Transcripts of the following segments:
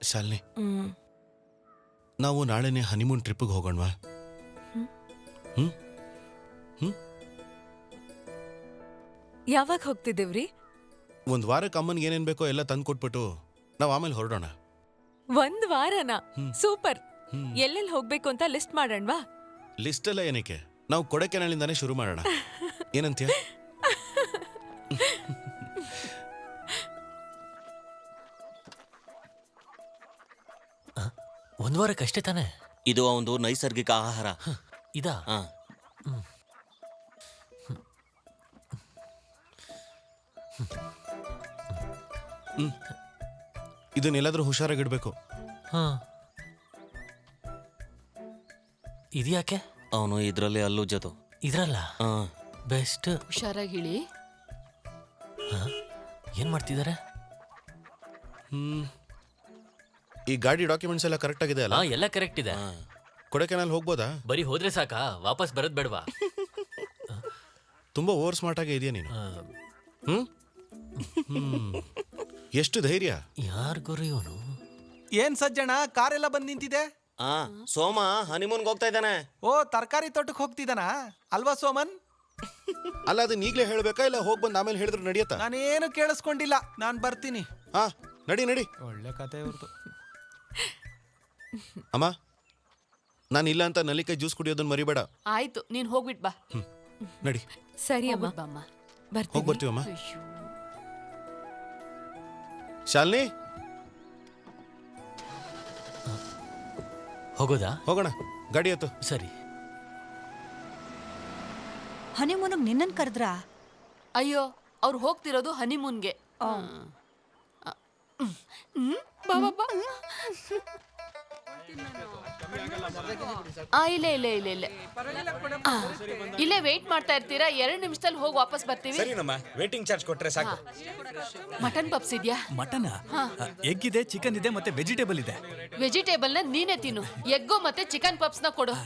ಶಾಲಿನಿ, ನಾವು ನಾಳೆನೆ ಹನಿಮೂನ್ ಟ್ರಿಪ್ಪಿಗೆ ಹೋಗೋಣವಾ? ಯಾವಾಗ ಹೋಗ್ತಿದ್ದೇವ್ರಿ? ಒಂದು ವಾರಕ್ಕೆ ಅಮ್ಮನ್ಗೆ ಏನೇನ್ ಬೇಕೋ ಎಲ್ಲ ತಂದು ಕೊಟ್ಬಿಟ್ಟು ನಾವು ಆಮೇಲೆ ಹೊರಡೋಣ. 1 ವಾರನ? ಸೂಪರ್. ಎಲ್ಲೆಲ್ಲಿ ಹೋಗ್ಬೇಕು ಅಂತ ಲಿಸ್ಟ್ ಮಾಡೋಣವಾ? ಲಿಸ್ಟ್ ಎಲ್ಲ ಏನಕ್ಕೆ, ನಾವು ಕೊಡೈಕೆನಾಲಿಂದಾನೇ ಶುರು ಮಾಡೋಣ. ಏನಂತೀಯ? ಒಂದು ವಾರಕ್ಕಷ್ಟೇ ತಾನೆ? ಇದು ಒಂದು ನೈಸರ್ಗಿಕ ಆಹಾರ. ಇದಾ? ಇದನ್ನೆಲ್ಲಾದ್ರೂ ಹುಷಾರಾಗಿಡ್ಬೇಕು. ಇದ್ಯಾಕೆ? ಅವನು ಇದರಲ್ಲಿ ಅಲ್ಲುಜ್ಜೋದು. ಇದ್ರಲ್ಲ ಬೆಸ್ಟ್. ಹುಷಾರಾಗಿಳಿ. ಏನ್ ಮಾಡ್ತಿದ್ದಾರೆ? ಈ ಗಾಡಿ ಡಾಕ್ಯುಮೆಂಟ್ಸ್ ಎಲ್ಲ ಕರೆಕ್ಟ್ ಆಗಿದೆ ಅಲ್ಲ? ಎಲ್ಲ ಕರೆಕ್ಟ್ ಇದೆ. ಕೊಡೈಕೆನಾಲ್ ಹೋಗ್ಬೋದಾ? ಬರೀ ಹೋದ್ರೆ ಸಾಕಾ? ವಾಪಸ್ ಬರೋದ್ ಬೇಡವಾ? ತುಂಬಾ ಓವರ್ ಸ್ಮಾರ್ಟ್ ಆಗಿ ಇದೆಯಾ ನೀನು. ಎಷ್ಟು ಧೈರ್ಯ! ಯಾರ್ ಗುರು ಇವನು? ಏನ್ ಸಜ್ಜಣ, ಕಾರೆಲ್ಲ ಬಂದ್ ನಿಂತಿದೆ. ಸೋಮ ಹನಿಮೂನ್ಗೆ ಹೋಗ್ತಾ ಇದ್ದಾನೆ. ಓ, ತರಕಾರಿ ತೋಟಕ್ಕೆ ಹೋಗ್ತಿದ್ದಾನ ಅಲ್ವಾ ಸೋಮನ್? ಅಲ್ಲ, ಅದನ್ನ ಈಗಲೇ ಹೇಳ್ಬೇಕಾ ಇಲ್ಲ ಹೋಗ್ ಬಂದ್ ಆಮೇಲೆ ಹೇಳಿದ್ರೆ ನಡೆಯತ್ತಾ? ನಾನೇನು ಕೇಳಿಸ್ಕೊಂಡಿಲ್ಲ, ನಾನ್ ಬರ್ತೀನಿ. ನಡಿ ನಡಿ. ಒಳ್ಳೆ ಕತೆ ಇವ್ರದ್ದು. ಅಮ್ಮ, ನಾನು ಇಲ್ಲ ಅಂತ ನಲ್ಲಿಕಾಯಿ ಜ್ಯೂಸ್ ಕುಡಿಯೋದನ್ನ ಮರಿಬೇಡ. ಆಯ್ತು, ನೀನ್ ಹೋಗ್ಬಿಟ್ ಬಾ. ನಡಿ. ಸರಿ ಅಮ್ಮ, ಬಾಮ್ಮ. ಹೋಗಿ ಬರ್ತೀವಮ್ಮ. ಶಾಲಿನಿ, ಹೋಗೋದಾ? ಹೋಗೋಣ, ಗಾಡಿ ಹತ್ತು. ಸರಿ. ಹನಿಮೂನಿಗೆ ನಿನ್ನನ್ ಕರೆದ್ರಾ? ಅಯ್ಯೋ, ಅವ್ರು ಹೋಗ್ತಿರೋದು ಹನಿಮೂನ್ಗೆ. ಇಲ್ಲೇ ವೇಟ್ ಮಾಡ್ತಾ ಇರ್ತೀರಾ? 2 ನಿಮಿಷದಲ್ಲಿ ಹೋಗಿ ವಾಪಸ್ ಬರ್ತೀವಿ. ವೇಟಿಂಗ್ ಚಾರ್ಜ್ ಕೊಟ್ರೆ ಸಾಕು. ಮಟನ್ ಪಪ್ಸ್ ಇದೆಯಾ? ಮಟನ್, ಎಗ್ ಇದೆ, ಚಿಕನ್ ಇದೆ, ಮತ್ತೆ ವೆಜಿಟೇಬಲ್ ಇದೆ. ವೆಜಿಟೇಬಲ್ ನ ನೀನೇ ತಿನ್ನು, ಎಗ್ಗು ಮತ್ತೆ ಚಿಕನ್ ಪಪ್ಸ್ ನ ಕೊಡು.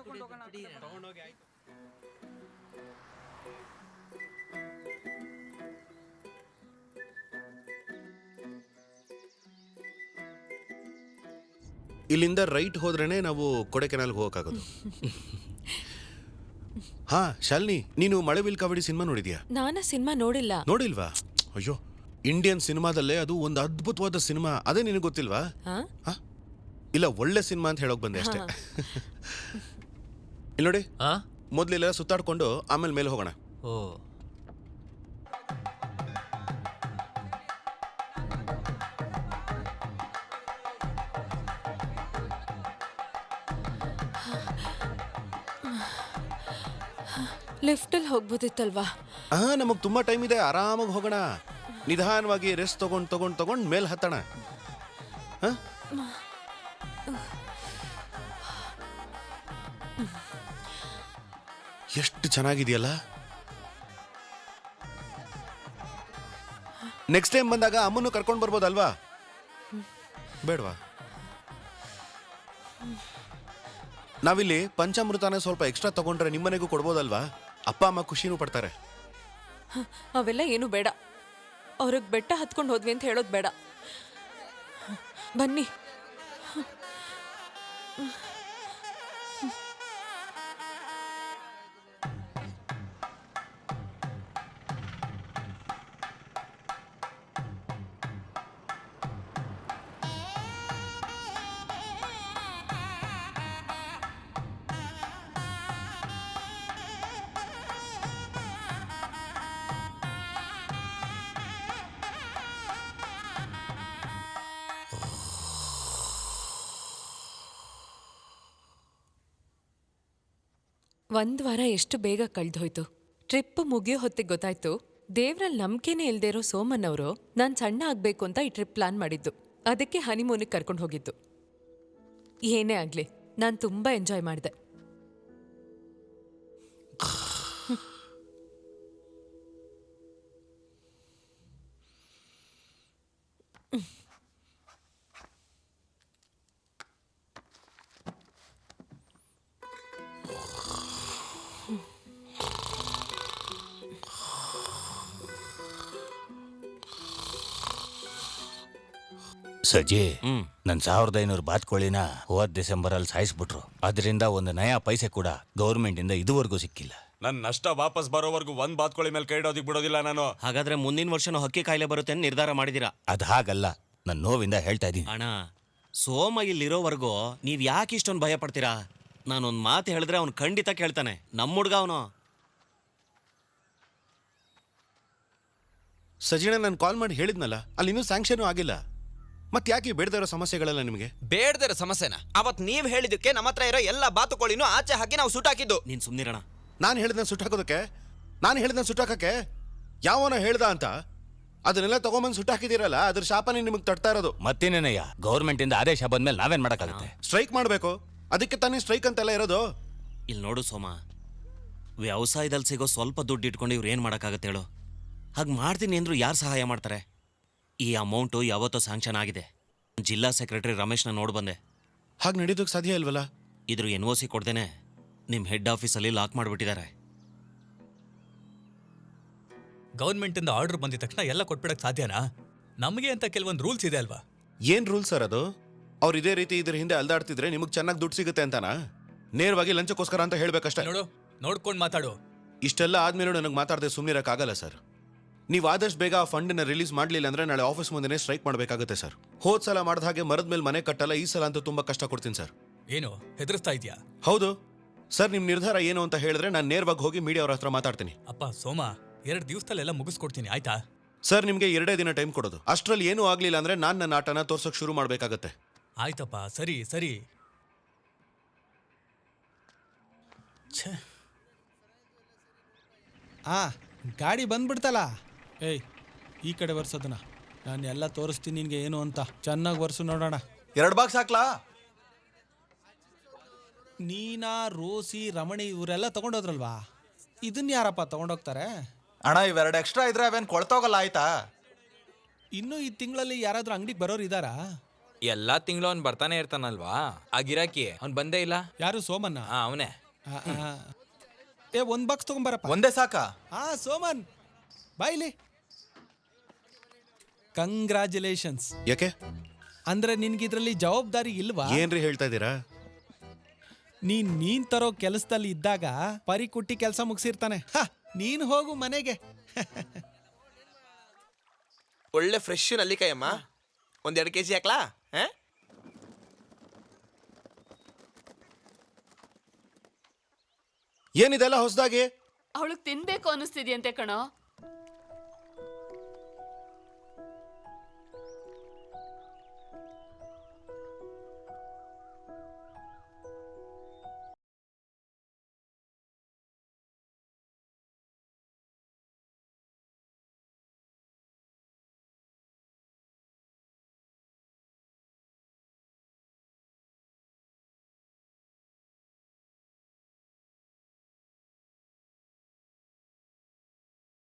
ಇಲ್ಲಿಂದ ರೈಟ್ ಹೋದ್ರೇನೆ ನಾವು ಕೊಡೈಕೆನಾಲ್ಗೆ ಹೋಗಕ್ಕಾಗೋದು. ಶಾಲಿನಿ, ನೀನು ಮಳೆವಿಲ್ ಕಾವಡಿ ಸಿನಿಮಾ ನೋಡಿದ್ಯಾ? ನಾನು ಸಿನಿಮಾ ನೋಡಿಲ್ಲ. ನೋಡಿಲ್ವಾ? ಅಯ್ಯೋ, ಇಂಡಿಯನ್ ಸಿನಿಮಾದಲ್ಲೇ ಅದು ಒಂದು ಅದ್ಭುತವಾದ ಸಿನಿಮಾ. ಅದೇ ನಿನಗೆ ಗೊತ್ತಿಲ್ವಾ? ಇಲ್ಲ, ಒಳ್ಳೆ ಸಿನಿಮಾ ಅಂತ ಹೇಳೋಕ್ ಬಂದೆ ಅಷ್ಟೇ. ಇಲ್ಲಿ ನೋಡಿ, ಮೊದ್ಲೆಲ್ಲ ಸುತ್ತಾಡ್ಕೊಂಡು ಆಮೇಲೆ ಮೇಲೆ ಹೋಗೋಣ. ಓ, ಲಿಫ್ಟಲ್ಲಿ ಹೋಗ್ಬೋದಿತ್ತಲ್ವಾ? ನಮಗ್ ತುಂಬಾ ಟೈಮ್ ಇದೆ, ಆರಾಮಾಗಿ ಹೋಗೋಣ. ನಿಧಾನವಾಗಿ ರೆಸ್ಟ್ ತಗೊಂಡ್ ಮೇಲ್ ಹತ್ತಣ. ಎಷ್ಟು ಚೆನ್ನಾಗಿದೆಯಲ್ಲ. ನೆಕ್ಸ್ಟ್ ಟೈಮ್ ಬಂದಾಗ ಅಮ್ಮನ್ನು ಕರ್ಕೊಂಡು ಬರ್ಬೋದಲ್ವಾ? ಬೇಡವಾ? ನಾವಿಲ್ಲಿ ಪಂಚಾಮೃತನ ಸ್ವಲ್ಪ ಎಕ್ಸ್ಟ್ರಾ ತಗೊಂಡ್ರೆ ನಿಮ್ಮನೆಗೂ ಕೊಡ್ಬೋದಲ್ವಾ? ಅಪ್ಪ ಅಮ್ಮ ಖುಷಿನೂ ಪಡ್ತಾರೆ. ಅವೆಲ್ಲ ಏನು ಬೇಡ. ಅವ್ರಿಗೆ ಬೆಟ್ಟ ಹತ್ಕೊಂಡು ಹೋದ್ವಿ ಅಂತ ಹೇಳೋದು ಬೇಡ. ಬನ್ನಿ. ಒಂದ್ ವಾರ ಎಷ್ಟು ಬೇಗ ಕಳ್ದೋಯ್ತು. ಟ್ರಿಪ್ ಮುಗಿಯೋ ಹೊತ್ತಿಗೆ ಗೊತ್ತಾಯ್ತು, ದೇವ್ರಲ್ಲಿ ನಂಬಿಕೆನೇ ಇಲ್ದೇ ಇರೋ ಸೋಮನ್ ಅವರು ನಾನು ಸಣ್ಣ ಆಗ್ಬೇಕು ಅಂತ ಈ ಟ್ರಿಪ್ ಪ್ಲಾನ್ ಮಾಡಿದ್ದು. ಅದಕ್ಕೆ ಹನಿಮೂನಿಗೆ ಕರ್ಕೊಂಡು ಹೋಗಿದ್ದು. ಏನೇ ಆಗ್ಲಿ, ನಾನು ತುಂಬಾ ಎಂಜಾಯ್ ಮಾಡಿದೆ. ಸಜಿ ಹ್ಮ್ 1500 ಬಾತ್ಕೋಳಿನ ಹೋದ್ ಡಿಸೆಂಬರ್ ಅಲ್ಲಿ ಸಾಯಿಸ್ಬಿಟ್ರು. ಅದರಿಂದ ಒಂದು ನಯಾ ಪೈಸೆ ಕೂಡ ಗೌರ್ಮೆಂಟ್ ಇಂದ ಇದುವರೆಗೂ ಸಿಕ್ಕಿಲ್ಲ. ನನ್ ನಷ್ಟ ವಾಪಸ್ ಬರೋವರೆಗೂ ಒಂದ್ ಬಾತ್ಕೋಳಿ ಮೇಲೆ ಕೈ ಇಡೋದಿಕ್ ಬಿಡೋದಿಲ್ಲ ನಾನು. ಹಾಗಾದ್ರೆ ಮುಂದಿನ ವರ್ಷನೂ ಹಕ್ಕಿ ಕಾಯಿಲೆ ಬರುತ್ತೆ ಅಂತ ನಿರ್ಧಾರ ಮಾಡಿದೀರಾ? ಅದ್ ಹಾಗಲ್ಲ, ನನ್ನ ನೋವಿಂದ ಹೇಳ್ತಾ ಇದ್ದೀನಿ. ಅಣ್ಣ, ಸೋಮ ಇಲ್ಲಿರೋವರೆಗೂ ನೀವ್ ಯಾಕೆ ಇಷ್ಟೊಂದು ಭಯ ಪಡ್ತೀರಾ? ನಾನೊಂದ್ ಮಾತು ಹೇಳಿದ್ರೆ ಅವ್ನು ಖಂಡಿತ ಕೇಳ್ತಾನೆ. ನಮ್ಮ ಹುಡ್ಗ ಅವನು. ಸಜಿಣ ನಾನು ಕಾಲ್ ಮಾಡಿ ಹೇಳಿದ್ನಲ್ಲ, ಅಲ್ಲಿ ಇನ್ನೂ ಸ್ಯಾಂಕ್ಷನ್ ಆಗಿಲ್ಲ. ಮತ್ತೆ ಯಾಕೆ ಬೇಡದೇ ಇರೋ ಸಮಸ್ಯೆಗಳೆಲ್ಲ ನಿಮಗೆ? ಬೇಡದಿರೋ ಸಮಸ್ಯೆನ ಅವತ್ ನೀವ್ ಹೇಳಿದಕ್ಕೆ ನಮ್ಮ ಹತ್ರ ಇರೋ ಎಲ್ಲ ಬಾತುಕೋಳಿನೂ ಆಚೆ ಹಾಕಿ ನಾವು ಸುಟ್ಟಾಕಿದ್ದು. ನೀನ್ ಸುಮ್ನಿರಣ. ನಾನು ಹೇಳಿದ್ನ ಸುಟ್ಟಾಕೋದಕ್ಕೆ, ನಾನು ಹೇಳಿದ್ನ ಸುಟ್ಟಾಕಕ್ಕೆ ಯಾವನ ಹೇಳ್ದ ಅಂತ ಅದನ್ನೆಲ್ಲ ತಗೊಂಬಂದು ಸುಟ್ಟಾಕಿದಿರಲ್ಲ, ಅದ್ರ ಶಾಪನೇ ನಿಮಗೆ ತಡ್ತಾ ಇರೋದು. ಮತ್ತಿನೇನಯ್ಯ, ಗೌರ್ಮೆಂಟ್ ಇಂದ ಆದೇಶ ಬಂದ್ಮೇಲೆ ನಾವೇನ್ ಮಾಡಕ್ಕಾಗುತ್ತೆ? ಸ್ಟ್ರೈಕ್ ಮಾಡಬೇಕು, ಅದಕ್ಕೆ ತಾನೇ ಸ್ಟ್ರೈಕ್ ಅಂತೆಲ್ಲ ಇರೋದು. ಇಲ್ಲಿ ನೋಡು ಸೋಮ, ವ್ಯವಸಾಯದಲ್ಲಿ ಸಿಗೋ ಸ್ವಲ್ಪ ದುಡ್ಡು ಇಟ್ಕೊಂಡು ಇವ್ರು ಏನು ಮಾಡೋಕ್ಕಾಗತ್ತೆ ಹೇಳು? ಹಾಗೆ ಮಾಡ್ತೀನಿ ಅಂದ್ರು ಯಾರು ಸಹಾಯ ಮಾಡ್ತಾರೆ? ಈ ಅಮೌಂಟು ಯಾವತ್ತೋ ಸ್ಯಾಂಕ್ಷನ್ ಆಗಿದೆ. ಜಿಲ್ಲಾ ಸೆಕ್ರೆಟರಿ ರಮೇಶ್ನ ನೋಡಿ ಬಂದೆ. ಹಾಗೆ ನಡೀದಕ್ಕೆ ಸಾಧ್ಯ ಇಲ್ವಲ್ಲ? ಇದ್ರ NOC ಕೊಡ್ದೇನೆ ನಿಮ್ಮ ಹೆಡ್ ಆಫೀಸಲ್ಲಿ ಲಾಕ್ ಮಾಡಿಬಿಟ್ಟಿದ್ದಾರೆ. ಗೌರ್ಮೆಂಟ್ ಇಂದ ಆರ್ಡರ್ ಬಂದಿದ ತಕ್ಷಣ ಎಲ್ಲ ಕೊಟ್ಬಿಡಕ್ ಸಾಧ್ಯನಾ? ನಮಗೆ ಅಂತ ಕೆಲವೊಂದು ರೂಲ್ಸ್ ಇದೆ ಅಲ್ವಾ? ಏನ್ ರೂಲ್ ಸರ್ ಅದು? ಅವ್ರು ಇದೇ ರೀತಿ ಇದ್ರ ಹಿಂದೆ ಅಲ್ದಾಡ್ತಿದ್ರೆ ನಿಮಗೆ ಚೆನ್ನಾಗಿ ದುಡ್ಡು ಸಿಗುತ್ತೆ ಅಂತಾನಾ? ನೇರವಾಗಿ ಲಂಚಕ್ಕೋಸ್ಕರ ಅಂತ ಹೇಳ್ಬೇಕಷ್ಟೇ. ನೋಡು, ನೋಡ್ಕೊಂಡು ಮಾತಾಡು. ಇಷ್ಟೆಲ್ಲ ಆದ್ಮೇಲೆ ನನಗೆ ಮಾತಾಡದೆ ಸುಮ್ಮನಿರಕ್ಕಾಗಲ್ಲ ಸರ್. ನೀವು ಆದಷ್ಟು ಬೇಗ ಆ ಫಂಡನ್ನ ರಿಲೀಸ್ ಮಾಡಲಿಲ್ಲ ಅಂದ್ರೆ ನಾಳೆ ಆಫೀಸ್ ಮುಂದೆನೇ ಸ್ಟ್ರೈಕ್ ಮಾಡಬೇಕಾಗುತ್ತೆ ಸರ್. ಹೋದ್ ಸಲ ಮಾಡಿದ ಹಾಗೆ ಮರದ ಮೇಲೆ ಮನೆ ಕಟ್ಟಲ್ಲ, ಈ ಸಲ ಅಂತೂ ತುಂಬಾ ಕಷ್ಟ ಕೊಡ್ತೀನಿ ಸರ್. ಏನು ಹೆದರ್ಸ್ತಾ ಇದೆಯಾ? ಹೌದು ಸರ್, ನಿಮ್ಮ ನಿರ್ಧಾರ ಏನು ಅಂತ ಹೇಳಿದ್ರೆ ನಾನು ನೇರವಾಗಿ ಹೋಗಿ ಮೀಡಿಯಾ ಅವ್ರ ಹತ್ರ ಮಾತಾಡ್ತೀನಿ. ಅಪ್ಪ ಸೋಮ, 2 ದಿವಸದಲ್ಲೆಲ್ಲ ಮುಗಿಸ್ಕೊಡ್ತೀನಿ, ಆಯ್ತಾ? ಸರ್, ನಿಮಗೆ 2 ದಿನ ಟೈಮ್ ಕೊಡೋದು. ಅಷ್ಟರಲ್ಲಿ ಏನೂ ಆಗಲಿಲ್ಲ ಅಂದ್ರೆ ನಾನು ನನ್ನ ಆಟನ ತೋರ್ಸೋಕೆ ಶುರು ಮಾಡಬೇಕಾಗತ್ತೆ. ಆಯ್ತಪ್ಪ, ಸರಿ ಸರಿ. ಗಾಡಿ ಬಂದ್ಬಿಡ್ತಲ್ಲ. ಏಯ್, ಈ ಕಡೆ ಬರ್ಸೋದನ್ನ ನಾನು ಎಲ್ಲ ತೋರಿಸ್ತೀನಿ ನಿನ್ಗೆ ಏನು ಅಂತ. ಚೆನ್ನಾಗಿ ಬರ್ಸು ನೋಡೋಣ. 2 ಬಾಕ್ಸ್ ಹಾಕ್ಲಾ? ನೀನಾ, ರೋಸಿ, ರಮಣಿ ಇವರೆಲ್ಲ ತಗೊಂಡೋದ್ರಲ್ವಾ? ಇದನ್ನ ಯಾರಪ್ಪ ತಗೊಂಡೋಗ್ತಾರೆ? ಅಣ್ಣ, ಇವೆರಡು ಎಕ್ಸ್ಟ್ರಾ ಇದ್ರೆ ಅವೇನ್ ಕೊಳ್ತೋಗಲ್ಲ, ಆಯ್ತಾ? ಇನ್ನೂ ಈ ತಿಂಗಳಲ್ಲಿ ಯಾರಾದ್ರೂ ಅಂಗಡಿಗೆ ಬರೋರು ಇದ್ದಾರಾ? ಎಲ್ಲಾ ತಿಂಗಳು ಅವ್ನು ಬರ್ತಾನೆ ಇರ್ತಾನಲ್ವಾ, ಆ ಗಿರಾಕಿ ಅವ್ನು ಬಂದೇ ಇಲ್ಲ. ಯಾರು, ಸೋಮನ್ನ? ಅವನೇ. ಏ, 1 ಬಾಕ್ಸ್ ತಗೊಂಬರಪ್ಪ. ಒಂದೇ ಸಾಕಾ? ಸೋಮನ್ ಬಾಯ್ಲಿ. ಕಂಗ್ರ್ಯಾಚುಲೇಷನ್ಸ್. ಯಾಕೆ? ಅಂದ್ರೆ ನಿನ್ಗಿದ್ರಲ್ಲಿ ಜವಾಬ್ದಾರಿ ಇಲ್ವಾ? ಏನ್ರಿ ಹೇಳ್ತಾ ಇದ್ದೀರಾ? ನೀನ್ ತರೋ ಕೆಲಸದಲ್ಲಿ ಇದ್ದಾಗ ಪರಿ ಕುಟ್ಟಿ ಕೆಲಸ ಮುಗಿಸಿರ್ತಾನೆ. ನೀನ್ ಹೋಗು ಮನೆಗೆ. ಒಳ್ಳೆ ಫ್ರೆಶ್ ನಲ್ಲಿಕಾಯಿ ಅಮ್ಮ, 1-2 kg ಹಾಕ್ಲಾ? ಏನಿದೆಲ್ಲ ಹೊಸದಾಗಿ? ಅವಳಿಗೆ ತಿನ್ಬೇಕು ಅನಿಸ್ತಿದ್ಯಂತೆ ಕಣೋ.